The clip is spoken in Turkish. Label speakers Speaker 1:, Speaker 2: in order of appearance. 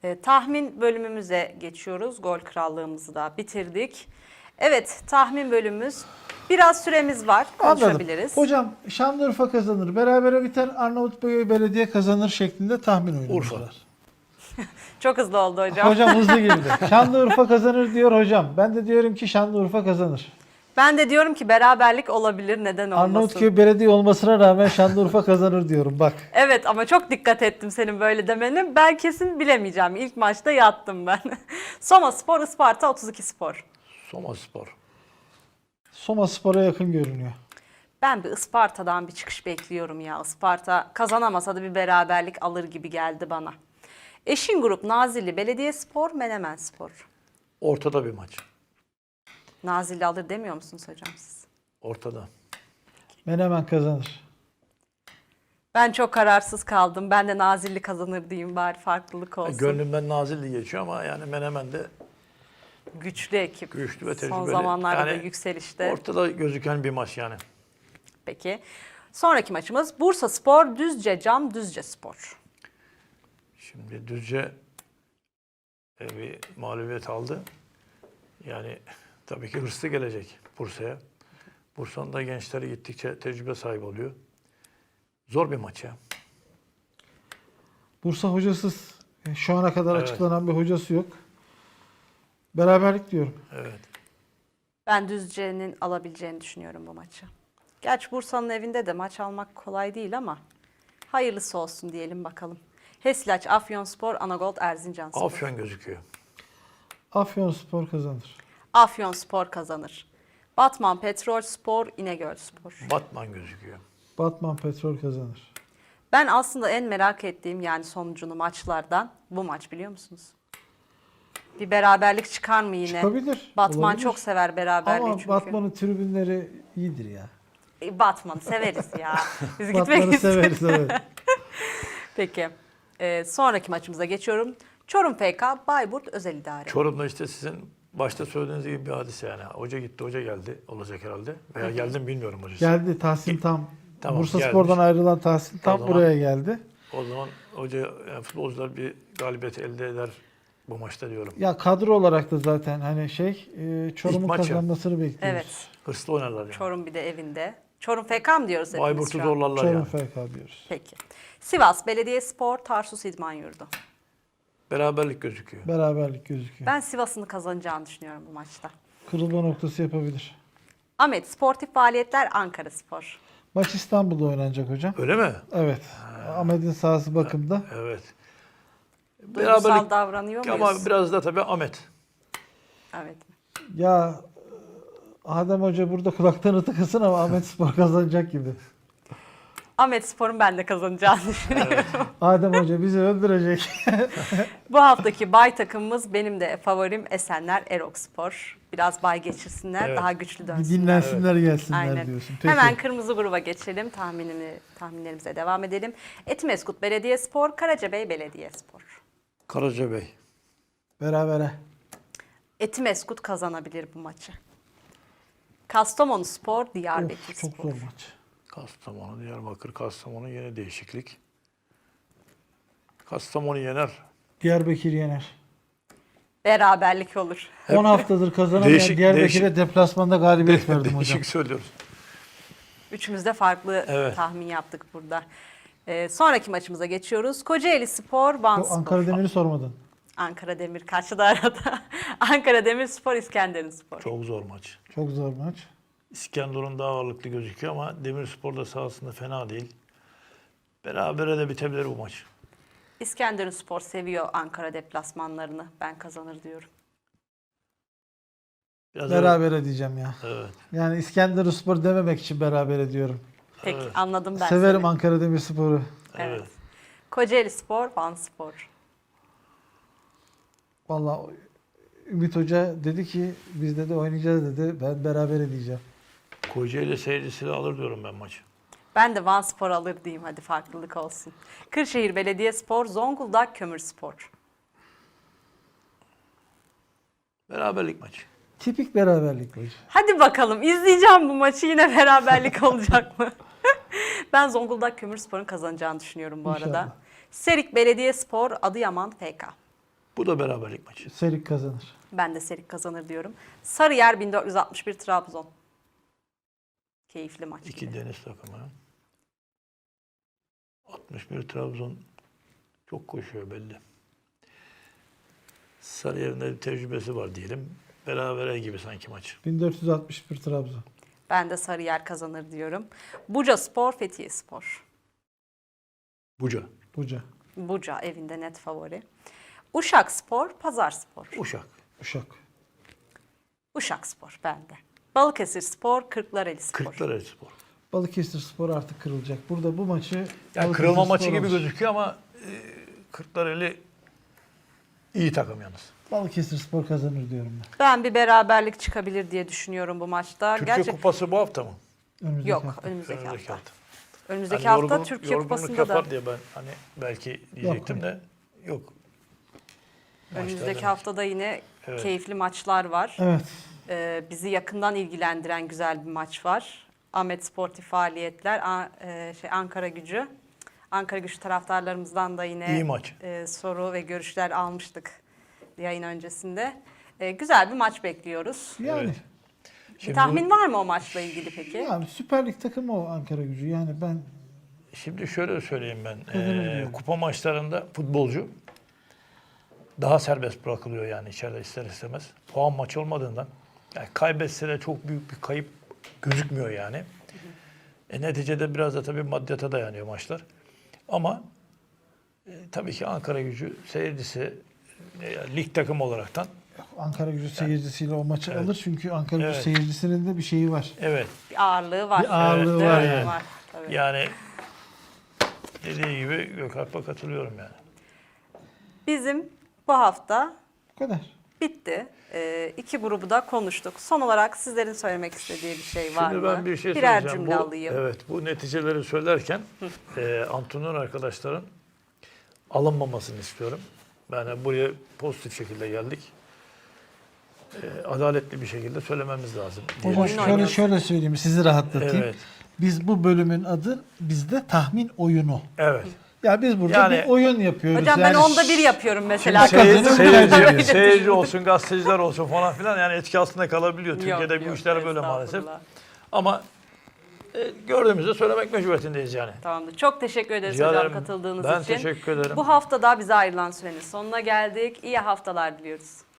Speaker 1: Tahmin bölümümüze geçiyoruz. Gol krallığımızı da bitirdik. Evet, tahmin bölümümüz. Biraz süremiz var. Konuşabiliriz.
Speaker 2: Anladım. Hocam Şanlıurfa kazanır, berabere biter, Arnavutköy Belediye kazanır şeklinde tahmin oyunumuz
Speaker 3: Urfa.
Speaker 2: var.
Speaker 1: Çok hızlı oldu hocam.
Speaker 2: Hocam hızlı girdi. Şanlıurfa kazanır diyor hocam. Ben de diyorum ki Şanlıurfa kazanır.
Speaker 1: Ben de diyorum ki beraberlik olabilir. Neden olmasın?
Speaker 2: Arnavutköy Belediye olmasına rağmen Şanlıurfa kazanır diyorum bak.
Speaker 1: Evet ama çok dikkat ettim senin böyle demeni. Ben kesin bilemeyeceğim. İlk maçta yattım ben. Soma Spor, Isparta 32 Spor.
Speaker 3: Soma Spor.
Speaker 2: Soma Spor'a yakın görünüyor.
Speaker 1: Ben bir Isparta'dan bir çıkış bekliyorum ya. Isparta kazanamasa da bir beraberlik alır gibi geldi bana. Eşin grup Nazilli Belediyespor, Menemen Spor.
Speaker 3: Ortada bir maç.
Speaker 1: Nazilli alır demiyor musunuz hocam siz?
Speaker 3: Ortada.
Speaker 2: Menemen kazanır.
Speaker 1: Ben çok kararsız kaldım. Ben de Nazilli kazanır diyeyim bari farklılık olsun.
Speaker 3: Gönlümden Nazilli geçiyor ama yani Menemen de
Speaker 1: Güçlü ekip.
Speaker 3: güçlü ve tecrübeli.
Speaker 1: Son zamanlarda da
Speaker 3: Yani
Speaker 1: yükselişte.
Speaker 3: ortada gözüken bir maç yani.
Speaker 1: Peki. Sonraki maçımız Bursa Spor, Düzce Cam, Düzce Spor.
Speaker 3: Şimdi Düzce bir mağlubiyet aldı. Yani tabii ki hırslı gelecek Bursa'ya. Bursa'nın da gençleri gittikçe tecrübe sahibi oluyor. Zor bir maç ya.
Speaker 2: Bursa hocasız. Şu ana kadar
Speaker 3: Evet.
Speaker 2: açıklanan bir hocası yok. Beraberlik diyorum.
Speaker 3: Evet.
Speaker 1: Ben Düzce'nin alabileceğini düşünüyorum bu maçı. Gerçi Bursa'nın evinde de maç almak kolay değil ama hayırlısı olsun diyelim bakalım. Hesilaç, Afyonspor, Anagold, Erzincanspor.
Speaker 3: Afyon gözüküyor.
Speaker 2: Afyonspor kazanır.
Speaker 1: Afyonspor kazanır. Batman Petrolspor, İnegölspor.
Speaker 3: Batman gözüküyor.
Speaker 2: Batman Petrol kazanır.
Speaker 1: Ben aslında en merak ettiğim yani sonucunu maçlardan bu maç biliyor musunuz? Bir beraberlik çıkar mı yine?
Speaker 2: Çıkabilir.
Speaker 1: Batman
Speaker 2: olabilir.
Speaker 1: çok sever beraberliği
Speaker 2: Ama
Speaker 1: çünkü.
Speaker 2: Batman'ın tribünleri iyidir ya.
Speaker 1: Batman'ı severiz ya. Biz gitmek
Speaker 2: Batman'ı
Speaker 1: isteriz.
Speaker 2: severiz evet.
Speaker 1: Peki. Sonraki maçımıza geçiyorum. Çorum FK, Bayburt Özel İdare.
Speaker 3: Çorum'da işte sizin başta söylediğiniz gibi bir hadise yani. Hoca gitti, hoca geldi olacak herhalde. Veya geldi mi bilmiyorum hocası.
Speaker 2: Geldi Tahsin Tam.
Speaker 3: Tamam,
Speaker 2: Bursa
Speaker 3: gelmiş.
Speaker 2: Spor'dan ayrılan Tahsin Tam
Speaker 3: zaman-
Speaker 2: buraya geldi.
Speaker 3: O zaman hoca, yani futbolcular bir galibiyet elde eder bu maçta diyorum.
Speaker 2: Ya kadro olarak da zaten hani Çorum'un
Speaker 3: maç ya.
Speaker 2: kazanmasını bekliyoruz.
Speaker 1: Evet.
Speaker 3: Hırslı oynarlar yani.
Speaker 1: Çorum bir de evinde. Çorum FK mı diyoruz hepimiz
Speaker 3: Bayburt'u
Speaker 1: şu an?
Speaker 3: zorlarlar
Speaker 2: Çorum
Speaker 3: yani.
Speaker 2: FK diyoruz.
Speaker 1: Peki. Sivas Belediyespor, Tarsus İdman Yurdu.
Speaker 3: Beraberlik gözüküyor.
Speaker 2: Beraberlik gözüküyor.
Speaker 1: Ben Sivas'ın kazanacağını düşünüyorum bu maçta.
Speaker 2: Kırılma noktası yapabilir.
Speaker 1: Ahmet Sportif Faaliyetler, Ankara Spor.
Speaker 2: Maç İstanbul'da oynanacak hocam.
Speaker 3: Öyle mi?
Speaker 2: Evet. Ahmet'in sahası bakımda.
Speaker 3: Evet.
Speaker 1: Duygusal davranıyor muyuz?
Speaker 3: ama biraz da tabii Ahmet.
Speaker 1: Evet.
Speaker 2: Ya Adem Hoca burada kulaklarını tıkasın ama Ahmet Spor kazanacak gibi.
Speaker 1: Ahmet Spor'un ben de kazanacağını düşünüyorum.
Speaker 2: Adem Hoca bizi öldürecek.
Speaker 1: Bu haftaki bay takımımız benim de favorim Esenler Erokspor. Biraz bay geçirsinler,
Speaker 3: Evet.
Speaker 1: daha güçlü
Speaker 2: Bir
Speaker 1: dönsünler.
Speaker 2: dinlensinler gelsinler
Speaker 1: Aynen.
Speaker 2: diyorsun. Peki.
Speaker 1: Hemen kırmızı gruba geçelim. Tahminlerimize devam edelim. Etimeskut Belediyespor, Karacabey Belediyespor.
Speaker 3: Karacabey.
Speaker 2: Berabere.
Speaker 1: Etimeskut kazanabilir bu maçı. Kastamonu Spor, Diyarbakır
Speaker 2: Of, çok
Speaker 1: Spor.
Speaker 2: zor maç.
Speaker 3: Kastamonu, Diyarbakır, Kastamonu yine değişiklik. Kastamonu yener.
Speaker 2: Diyarbakır yener.
Speaker 1: Beraberlik olur.
Speaker 2: 10 haftadır kazanamayan
Speaker 3: Değişik-
Speaker 2: Diyarbakır'a deplasmanda galibiyet verdim hocam.
Speaker 3: Değişik söylüyoruz.
Speaker 1: Üçümüz de farklı
Speaker 3: Evet.
Speaker 1: tahmin yaptık burada. Sonraki maçımıza geçiyoruz. Kocaeli Spor, Van
Speaker 2: Bu
Speaker 1: Spor.
Speaker 2: Ankara Demir'i sormadın.
Speaker 1: Ankara Demir kaçtı arada. Ankara Demir Spor, İskenderun Spor.
Speaker 3: Çok zor maç.
Speaker 2: Çok zor maç.
Speaker 3: İskenderun daha ağırlıklı gözüküyor ama Demirspor da sahasında fena değil. Berabere de bitebilir bu maç.
Speaker 1: İskenderun Spor seviyor Ankara deplasmanlarını. Ben kazanır diyorum.
Speaker 3: Biraz
Speaker 2: Berabere diyeceğim ya.
Speaker 3: Evet.
Speaker 2: Yani İskenderunspor dememek için berabere diyorum.
Speaker 1: Peki
Speaker 3: Evet.
Speaker 1: anladım ben
Speaker 2: Severim
Speaker 1: seni.
Speaker 2: Ankara Demirspor'u.
Speaker 1: Evet.
Speaker 3: Evet.
Speaker 1: Kocaeli Spor, Van Spor.
Speaker 2: Vallahi Ümit Hoca dedi ki biz de oynayacağız dedi. Ben berabere diyeceğim.
Speaker 3: Kocaeli seyircisi de alır diyorum ben maçı.
Speaker 1: Ben de Van Spor alır diyeyim hadi farklılık olsun. Kırşehir Belediyespor, Zonguldak Kömürspor.
Speaker 3: Beraberlik maçı.
Speaker 2: Tipik beraberlik hocam.
Speaker 1: Hadi bakalım izleyeceğim bu maçı yine beraberlik olacak mı? Ben Zonguldak Kömürspor'un kazanacağını düşünüyorum bu arada.
Speaker 2: İnşallah.
Speaker 1: Serik Belediyespor, Adıyaman FK.
Speaker 3: Bu da beraberlik maçı.
Speaker 2: Serik kazanır.
Speaker 1: Ben de Serik kazanır diyorum. Sarıyer 1461 Trabzon. Keyifli maç.
Speaker 3: İki
Speaker 1: yine.
Speaker 3: deniz takımı. 61 Trabzon çok koşuyor belli. Sarıyer'in de bir tecrübesi var diyelim. Berabere gibi sanki maç.
Speaker 2: 1461 Trabzon.
Speaker 1: Ben de Sarıyer kazanır diyorum. Buca Spor, Fethiye Spor.
Speaker 3: Buca.
Speaker 2: Buca.
Speaker 1: Buca evinde net favori. Uşak Spor, Pazar Spor.
Speaker 3: Uşak.
Speaker 2: Uşak.
Speaker 1: Uşak Spor bende. Balıkesir Spor, Kırklareli Spor.
Speaker 3: Kırklareli Spor.
Speaker 2: Balıkesir Spor artık kırılacak. Burada bu maçı
Speaker 3: Yani
Speaker 2: Balıkesir
Speaker 3: kırılma
Speaker 2: Spor
Speaker 3: maçı gibi
Speaker 2: alır.
Speaker 3: gözüküyor ama Kırklareli iyi takım yalnız.
Speaker 2: Balıkesir Spor kazanır diyorum ben.
Speaker 1: Ben bir beraberlik çıkabilir diye düşünüyorum bu maçta.
Speaker 3: Türkiye
Speaker 1: Gerçi
Speaker 3: Kupası bu hafta mı?
Speaker 2: Önümüzdeki
Speaker 1: yok
Speaker 2: hafta.
Speaker 1: önümüzdeki
Speaker 3: Önümüzdeki
Speaker 1: hafta.
Speaker 3: hafta.
Speaker 1: Önümüzdeki
Speaker 3: Hani
Speaker 1: hafta
Speaker 3: yorgun-
Speaker 1: Türkiye
Speaker 3: yorgunluk
Speaker 1: Kupası'nda da
Speaker 3: yapar diye ben hani belki diyecektim de yok.
Speaker 1: önümüzdeki
Speaker 3: Maçlarda-
Speaker 1: haftada yine
Speaker 3: Evet.
Speaker 1: keyifli maçlar var.
Speaker 2: Evet.
Speaker 1: Bizi yakından ilgilendiren güzel bir maç var. Ahmet Sportif Faaliyetler, Ankara Gücü. Ankara Gücü taraftarlarımızdan da yine
Speaker 3: İyi maç.
Speaker 1: soru ve görüşler almıştık yayın öncesinde. Güzel bir maç bekliyoruz.
Speaker 2: Yani.
Speaker 3: Evet.
Speaker 1: Bir
Speaker 3: Şimdi,
Speaker 1: tahmin var mı o maçla ilgili peki?
Speaker 2: Yani Süper Lig takımı o Ankara Gücü. Yani ben
Speaker 3: şimdi şöyle söyleyeyim ben.
Speaker 2: Kazanır diyorum.
Speaker 3: Kupa maçlarında futbolcu daha serbest bırakılıyor yani içeride ister istemez. Puan maçı olmadığından yani kaybetse de çok büyük bir kayıp gözükmüyor yani. Neticede biraz da tabii maddiyata dayanıyor maçlar. Ama tabii ki Ankara Gücü seyircisi lig takımı olaraktan
Speaker 2: Ankara Gücü seyircisiyle o maçı
Speaker 3: Evet.
Speaker 2: alır. Çünkü Ankara Gücü
Speaker 3: Evet.
Speaker 2: seyircisinin de bir şeyi var.
Speaker 3: evet
Speaker 1: Bir ağırlığı var.
Speaker 2: Bir ağırlığı
Speaker 3: Evet,
Speaker 2: var
Speaker 3: evet.
Speaker 2: yani.
Speaker 1: Tabii.
Speaker 3: yani dediği gibi Gökalp'a katılıyorum yani.
Speaker 1: Bizim bu hafta
Speaker 2: Bu kadar.
Speaker 1: bitti. İki grubu da konuştuk. Son olarak sizlerin söylemek istediği bir şey var
Speaker 3: Şimdi
Speaker 1: mı?
Speaker 3: ben bir şey
Speaker 1: Birer
Speaker 3: söyleyeceğim.
Speaker 1: cümle
Speaker 3: Bu,
Speaker 1: alayım.
Speaker 3: evet, bu neticeleri söylerken antrenör arkadaşların alınmamasını istiyorum. Yani buraya pozitif şekilde geldik. Adaletli bir şekilde söylememiz lazım. diye
Speaker 2: Hocam
Speaker 1: Oyun
Speaker 2: şöyle
Speaker 1: oynuyoruz.
Speaker 2: şöyle söyleyeyim sizi rahatlatayım.
Speaker 3: Evet.
Speaker 2: Biz bu bölümün adı bizde tahmin oyunu.
Speaker 3: Evet.
Speaker 2: Ya biz burada
Speaker 3: Yani-
Speaker 2: bir oyun yapıyoruz.
Speaker 1: Hocam ben
Speaker 2: yani
Speaker 1: onda bir yapıyorum mesela.
Speaker 2: Şimdi
Speaker 3: Seyirci,
Speaker 2: Kazanır.
Speaker 1: Öyle
Speaker 3: seyirci
Speaker 1: düşünün.
Speaker 3: olsun, gazeteciler olsun falan filan yani etki altında kalabiliyor. Türkiye'de
Speaker 1: Yok,
Speaker 3: bu
Speaker 1: yok,
Speaker 3: işler böyle maalesef.
Speaker 1: estağfurullah.
Speaker 3: Ama gördüğümüzde söylemek mecburiyetindeyiz yani.
Speaker 1: Tamamdır. Çok teşekkür ederiz
Speaker 3: Rica
Speaker 1: hocam
Speaker 3: ederim.
Speaker 1: katıldığınız
Speaker 3: Ben
Speaker 1: için.
Speaker 3: teşekkür ederim.
Speaker 1: Bu hafta da bize ayrılan sürenin sonuna geldik. İyi haftalar diliyoruz.